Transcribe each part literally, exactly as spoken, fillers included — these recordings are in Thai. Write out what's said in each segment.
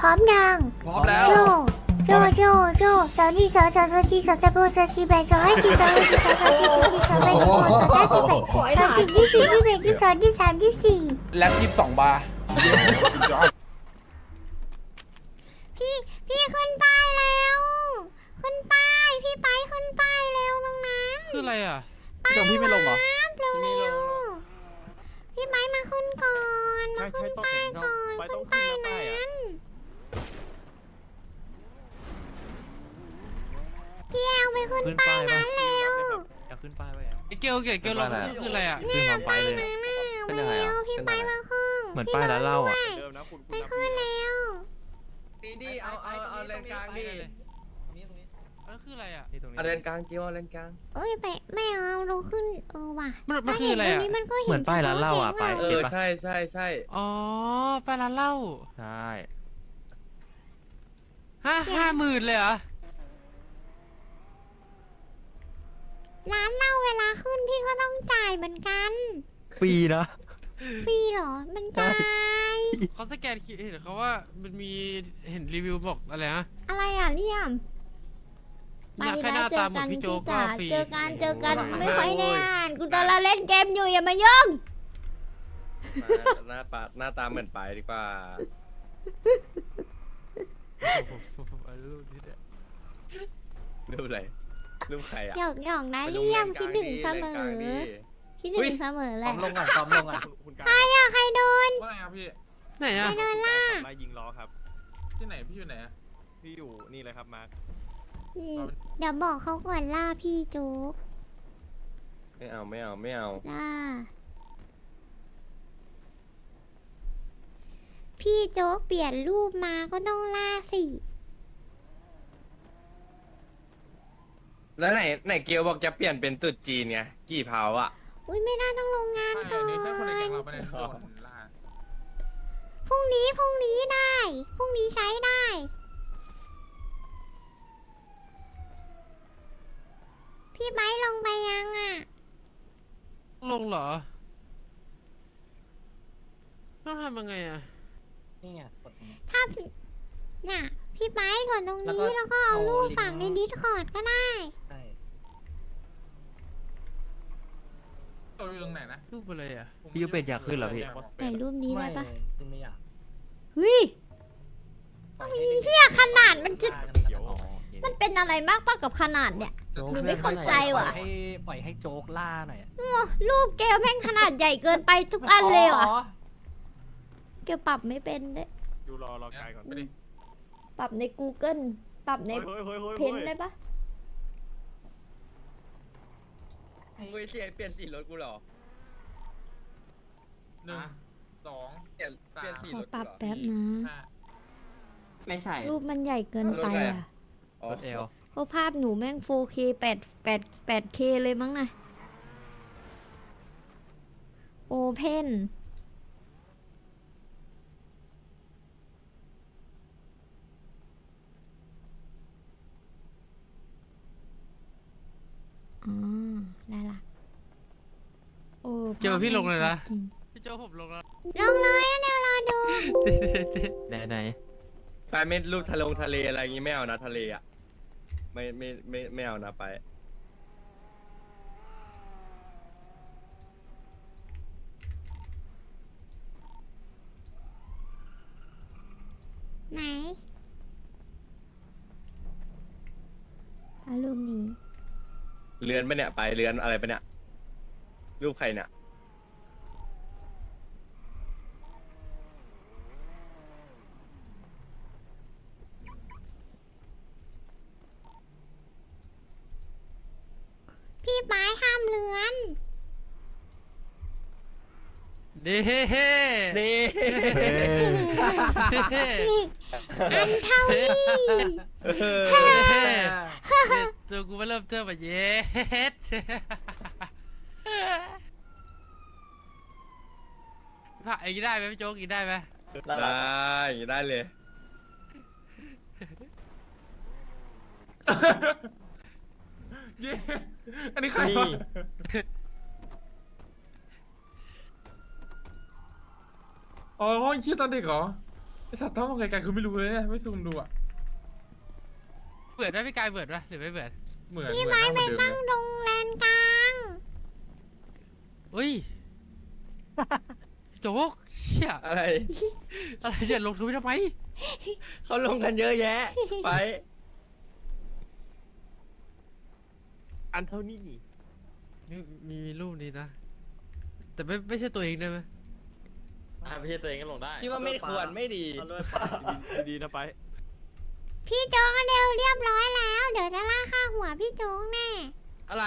ร้อมยังพร้อมแล้วโจโจโจโจสาวนี่สาวสาวสาวจีสาวตะโบสาวจีแบสาวให้จีสาวให้จีสาวสาวจีสาวจีสาวแบสาวสาวจีแบสาวจีที่สี่ที่แบที่สองที่สามที่สี่แล็บยี่สิบสองบาร์พี่พี่ขึ้นป้ายแล้วขึ้นป้ายพี่ไปขึ้นป้ายเร็วตรงนั้นคืออะไรอ่ะป้ายจงพี่ไม่ลงเหรอน้ำเร็วเร็วพี่ไปมาขึ้นก่อนมาใช่ขึ้นใช่ต้องป้ายเห็นก่อนไปต้ขึ้องนขึ้ป้าน ยนะป้ายนั้อ่ะนพี่เอาไปขึ้นขึ้นป้าป้าย ยนั้นแล้วอยากขึ้นป้ายไปอ่ะไอเกลเกลเกลลงคือคืออะไรอ่ะขึ้นพร้อมไปเลยนั่นน่ะเป็นไปยังไงเร็อ่ะวพี่ไปมาขึ้นเหมือนป้ายร้านเหล้าอ่ะเดิมนะคุณไปขึ้นแล้วดีดีเอาเอาเอาเลนกลางดิแล้วคืออะไรอ่ะนี่ตรงนี้เอาเลนกลางเกี่ยวเอาเลนกลางเอ้ยไปไม่เอาเราขึ้นเออว่ะมันมันคืออะไรตรงอ่ะนี้มันก็เห็นเหมือนป้ายร้านเหล้าอ่ะไปเอเก็บอปะใช่ใช่ใช่อ๋อไปร้านเหล้าใช่ห้าห้าหมื่นเลยเหรอร้านเหล้าเวลาขึ้นพี่ก็ต้องจ่ายเหมือนกันฟรีนะฟรีเหรอมันจ่ายเขาสแกนคิวเห็นเขาว่ามันมีเห็นรีวิวบอกอะไรนะอะไรอ่ะเลี่ยมอยากให้หน้าตาเหมือนพี่โจกก็ฟรีเจอกันเจอกันไม่ค่อยได้อ่านกูตอนเราเล่นเกมอยู่อย่ามายุ่งหน้าปาหน้าตาเหมือนไปดีกว่ารูปนี้เนี่ยรูปอะไรรูปใครอ่ะหยอกหยอกนะไปดูเลี่ยมเลนกคิดลางถึงดิเสมเลนกลางอดิคิดอุ๊ถึยงเสมอเลซ้อย มลงก่อนซ้อมลงก่อนใครอ่ะใครโดนว่าไงครับพี่ไหนใครอ่ะโดนล่ะมายิงล้อครับ ที่ไหนพี่อยู่ไหนอะพี่อยู่นี่เลยครับมาร์คอืมเดี๋ยวบอกเขาก่อนล่าพี่โจ๊กไม่เอาไม่เอาไม่เอาล่าพี่โจ๊กเปลี่ยนรูปมาก็ต้องล่าสิแล้วไหนไหนเกียวบอกจะเปลี่ยนเป็นตุ๊ดจีนไงกี่เผาอ่ะอุ้ยไม่ได้ต้องลงงานใช่ก่อนนี่ใช่คนในแก๊งเราไม่ได้โดนล่าพรุ่งนี้พรุ่งนี้ได้พรุ่งนี้ใช้ได้ พี่ไม้ลงไปยังอ่ะลงเหรอต้องทำยังไงอ่ะนี่ไงกดตรงนี้ถ้าพี่น่ะ พี่ไม้กดตรงนี้แล้แล้ววก็ก็เอาเอารูปลิงก์ฝังในดิสคอร์ดก็ได้ใช่ตัวอยู่ตรงไหนนะรูปอะไรอ่ะพี่ยูเป็ดอยากขึ้นเหรอพี่ไหนรูปนี้ได้ปะขึ้นไม่อยากเฮ้ยเอาอีเหี้ยขนาดมันจะอ๋อโอเคมันเป็นอะไรมากปะกับขนาดเนี่ยโจ๊กหนูไม่เข้าใจว่ะปล่อยให้ปล่อยให้โจ๊กล่าหน่อยอะโอ้รูปเกลแม่งขนาดใหญ่เกินไปทุกอันเลยว่ะเกลปรับไม่เป็นด้วยดูรอรอกายก่อนไปดิปรับใน Google ปรับในเฮ้ยเฮ้ยเฮ้ยเพนได้ปะมึงไปเสียเปลี่ยนสีรถกูเหรอหนึ่งสองเปลี่ยนเปลี่ยนสีขอรถปกูรับเหรอแป๊บนะห้าไม่ใช่รูปมันใหญ่เกินไปอ่ะอ๋อรถเอลเพราะภาพหนูแม่ง โฟร์เค แปด แปด แปดเค เลยมั้งนะโอเพนอ๋อ ได้ละโอ้เจอพี่ลงเลยนะจริงพี่โจผมลงแล้วลงเลยนะเดี๋ยวรอดูไหนไหนไปไม่รูปทะลงทะเลอะไรอย่างงี้ไม่เอานะทะเลอ่ะไม่ไม่ไม่ไม่เอานะไปไหนเอารูปนี้เรือนไปะเนี่ยไปเรือนอะไรไปะเนี่ยรูปใครเนี่ยพี่ไม้ห้ามเลือนเด้เฮ้เฮ้นี่นี่อันเท่านี้เฮ้ตัวกูมาเริ่มเทิมแบบเย็ดผ่าไอ้กินได้ไหมพี่โจ๊กกินได้ไหมได้อย่างงี้ได้เลยเย้อันนี้ใครวะอ๋อยี่ตอนเด็กเหรอไอสัตว์ต้องมองไกลๆคือไม่รู้เลยเนี่ยไม่ซูมดูอ่ะเบิดไหมพี่กายเบิดไหมหรือไม่เบิดเหมือนพี่เหมือนไม้หน้าเหไปมือนเดิมตั้งเลยตรงแลนกลางอุ้ยโจ๊กเชี่ยอะไรอะไรเนี่ยลงทุนทำไมเขาลงกันเยอะแยะ ไปอันเท่านี้มีมีรูปนี้นะ แต่ไม่ไม่ใช่ตัวเองได้ไหมอ่าไม่ใช่ตัวเองก็ลงได้พี่ว่าไม่ควรไม่ดีเอาเลยปาดีๆนะไปพี่โจ๊กเร็วเรียบร้อยแล้ว เดี๋ยวจะล่าค่าหัวพี่โจ๊กแน่อะไร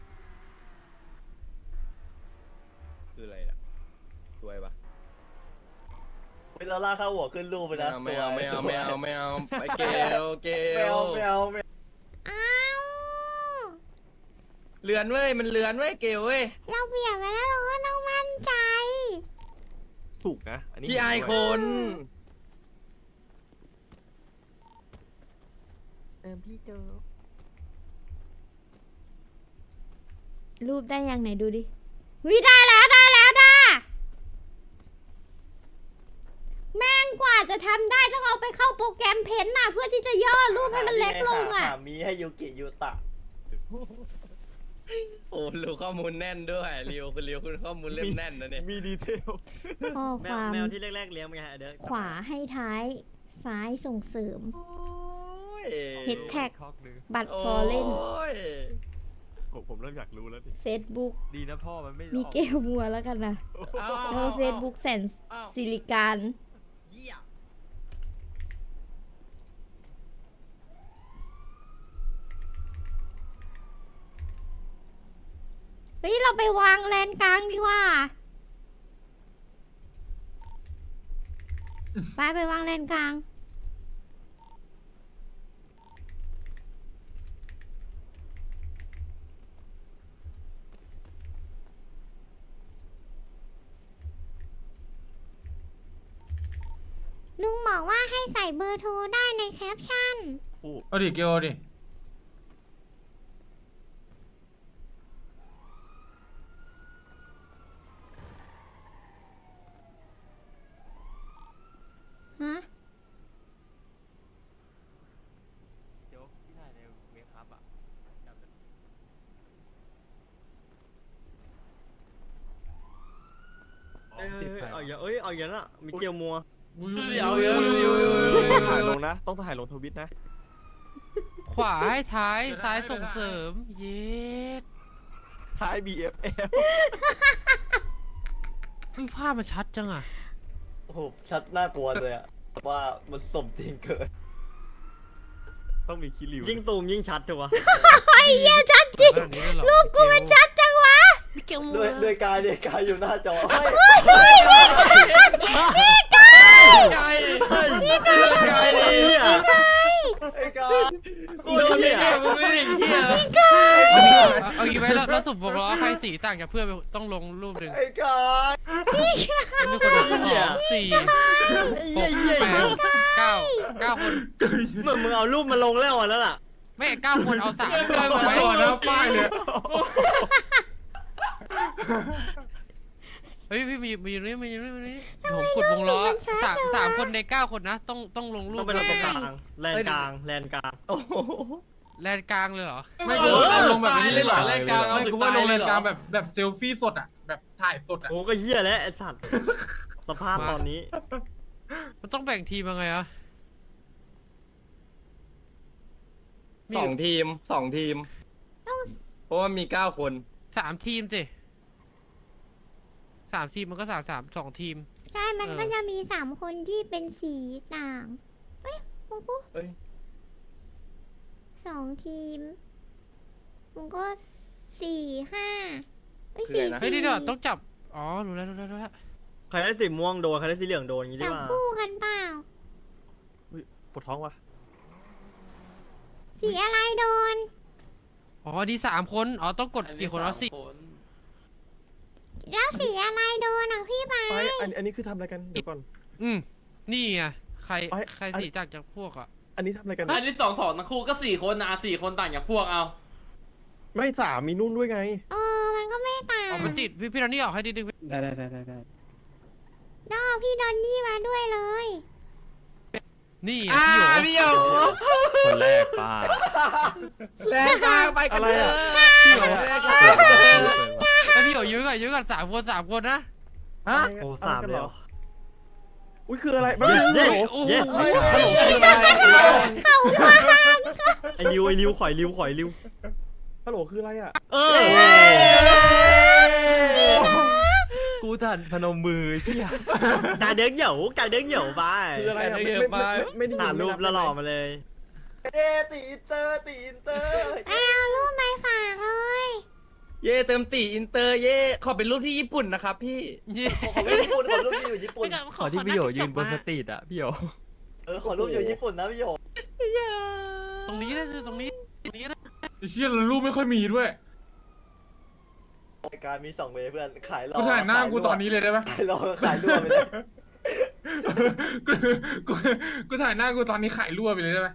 คืออะไรล่ะสวยปะเวลาล่าเข้าหัวขึ้นรูปไปไม่นะเอาไม่เอาไม่เอาไม่เอาไม่เอาไปเกลเกไม่ลเอาไม่เอาไม่เอาอ้าวเลือนเว้ยมันเลือนเว้ยเกลเว้ยเราเปลี่ยนไปแล้วเราก็ต้องมั่นใจถูกนะอันนี้พี่ไอายคนเออพี่โจรูปได้ยังไหนดูดิวิได้แล้วได้แล้วด้าแม่งกว่าจะทำได้ต้องเอาไปเข้าโปรแกรมเพ้นท์น่ะเพื่อที่จะย่อรูปให้มันเล็กลงอ่ะหามีให้ยูกิยูตะโอ้รู้ข้อมูลแน่นด้วยริวคุณริวคุณข้อมูลเล่มแน่นนะเนี่ยมีดีเทลข้อแมคว วามแมวที่แรกๆเลี้ยงเป็นไงเดี๋ยวขวาให้ท้ายซ้ายส่งเสริมโอ้ยเฮดแท็กคอกหนึ่งบัตรฟอร์เล่นโอ้ยผมผมเริ่มอยากรู้แล้วดิเฟซบุ๊กดีนะพ่อมันไม่มีเกลมัวแล้วกันนะเอาแล้วก็เฟซบุ๊กแสนสิริการเยี่ยมเฮ้ย เราไปวางแลนกลางดีกว่า ไปไปวางแลนกลาง ลุงบอกว่าให้ใส่เบอร์โทรได้ในแคปชั่นคู่เอาดิเกลเอาดิฮะโจ๊กที่ถ่ายในเวคับอ่ะเอ้ยเอาอย่างเอ้ยเอาอย่างน่ะมีเกียวมัวเดี๋ยวเดี๋ยวถ่ายลงนะ ต้องถ่ายลงทวิตนะขวาให้ท้ายซ้ายส่งเสริม เย็ดท้าย บี เอฟ เอฟเฮ้ยภาพมันชัดจังอ่ะโอ้โหชัดน่ากลัวเลยอะว่ามันสมจริงเกินต้องมีคิริวยิ่งซูมยิ่งชัดถูกปะไอ้เหี้ยชัดจริง รูปกูมันชัดจังวะด้วยด้วยกายด้วยกายอยู่หน้าจอเฮ้ยไก่ไก่ไก่ดิเนี่ยไอ้กายกูโดนเนี่ยมึงไม่ได้เหี้ยเอาเอางี้ไหมเราเราสุ่มวงล้อใครสีต่างจากเพื่อนไปต้องลงรูปหนึ่งไอ้กายมีคนหนึ่งสองสี่ไอ้หเหี้ยกเหี้ยแปดเก้าเก้าคนเหมือนมึงเอารูปมาลงแล้วอ่ะนั่นน่ะไม่เก้าคนเอาสามเกินเอาไปไว้ก่อนนะป้ายเลยเฮ้ยพี่มีมีอยู่นี่มีอยู่นี่มีอยู่นี่ผมกดวงล้อสามสามคนในเก้าคนนะ ต้องต้องลงรูต้อปงเป็นตรงกลางแลนกลางแลนกลางโอ้โหแลนกลางเลยเหรอไม่กูลงแบบนี้เลยเหรอรายการไม่กูว่าลงรายการแบบแบบเซลฟี่สดอ่ะ แบบถ่ายสดอ่ะโอ้ก็เหี้ยแล้วไอ้สัตว์สภาพตอนนี้มันต้องแบ่งทีมยังไงอะสองทีมสองทีม เพราะว่ามีเก้าคนสามทีมสิสามทีมมันก็สามสามสองทีมใช่ มันเออก็จะมีสามคนที่เป็นสีต่าง เฮ้ยมึงกูเอ้ยสองทีมมึงก็สี่ห้าเฮ้ยคือสี่อะไรนะเฮ้ยสี่เดี๋ยวต้องจับอ๋อรู้แล้วรู้แล้วรู้แล้วใครได้สีม่วงโดนใครได้สีเหลืองโดนอย่างงี้ดีจับกว่าคู่กันเปล่าปวดท้องวะสีอะไรโดนอ๋ออันนี้สามคนอ๋อต้องกดกี่คนเอาสี่แล้วสีอะไรโดนอ่ะพี่ไปไปอันอันนี้คือทำอะไรกันเดี๋ยวก่อนอืมนี่ไงใครเอ้ยใครสีต่างจากพวกอ่ะอันนี้ทำอะไรกันอันนี้สองสองทั้งคู่ก็สี่คนนะสี่คนต่างจากพวกเอาไม่สามมีนุ่นด้วยไงเออมันก็ไม่ต่างอ๋อมันติดพี่พี่ดอนนี่ออกให้ดิดึงได้ได้ได้ได้ได้ต้องเอาพี่ดอนนี่มาด้วยเลยนี่อ่าพี่โหพี่โยคนแรกป้าแรงมากไปกันเลยพี่โหแรงแล้วพี่โหยื้อก่อนยื้อก่อนสามคนสามคนนะฮะโอ้สามเลยเหรออุ้ยคืออะไรไม่รู้เย้โอ้โหเย้ฮัลโหลคืออะไรไอริวไอริวข่อยริวข่อยริวฮัลโหลคืออะไรอ่ะเออกูทันพนมมือพี่อะกายเด้งเหยวกายเด้งเหยวไปคืออะไรอ่ะไม่ไม่ไม่ไม่ได้ยินหารูปแล้วหล่อมาเลยเย้ตีอินเตอร์ตีอินเตอร์เอารูปไปฝากเลยเย่เติมตีอินเตอร์เย่ขอเป็นรูปที่ญี่ปุ่นนะครับพี่เย้ขอรูปญี่ปุ่นขอรูปที่อยู่ญี่ปุ่นขอที่พี่โยยืนบนสตรีทอะพี่โยเออขอรูปอยู่ญี่ปุ่นนะพี่โยตรงนี้นะตรงนี้ตรงนี้นะไอ้เชี่ยรูปไม่ค่อยมีด้วยรายการมีสองเวย์เพื่อนขายรอกูถ่ายหน้ากูตอนนี้เลยได้ปะขายรอขายรั่วไปเลยกูกูกูถ่ายหน้ากูตอนนี้ขายรั่วไปเลยได้ไหม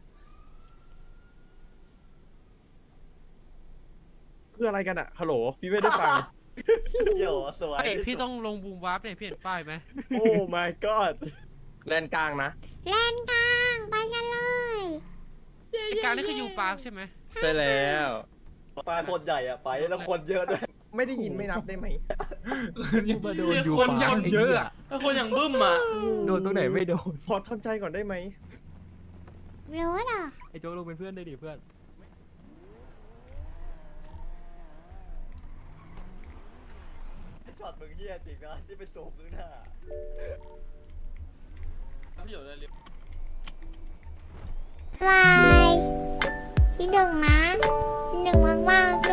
คืออะไรกันอะฮัลโหลพี่ไม่ได้ฟังพี่โยสวยเอ้ยพี่ต้องลงบูมวาร์ปเนี่ยพี่เห็นป้ายไหมโอ้ my god แลนกลางนะแล่นกลางไปกันเลยไอ้การนี่คือยูปาร์คใช่ไหมใช่แล้วปลาคนใหญ่อะไปแล้วคนเยอะด้วยไม่ได้ยินไม่นับได้ไหมมาโดนยูคนยังเยอะอะถ้าคนอย่างบึ้มอ่ะโดนตรงไหนไม่โดนขอทำใจก่อนได้ไหมรู้เหรอไอ้โจ๊กลงเป็นเพื่อนได้ดิเพื่อนช็อตมึงเฮี้ยจริงนะที่เป็นโซมข้างหน้าพี่โยได้เรียบบายพี่หนึ่งนะพี่หนึ่งมากๆ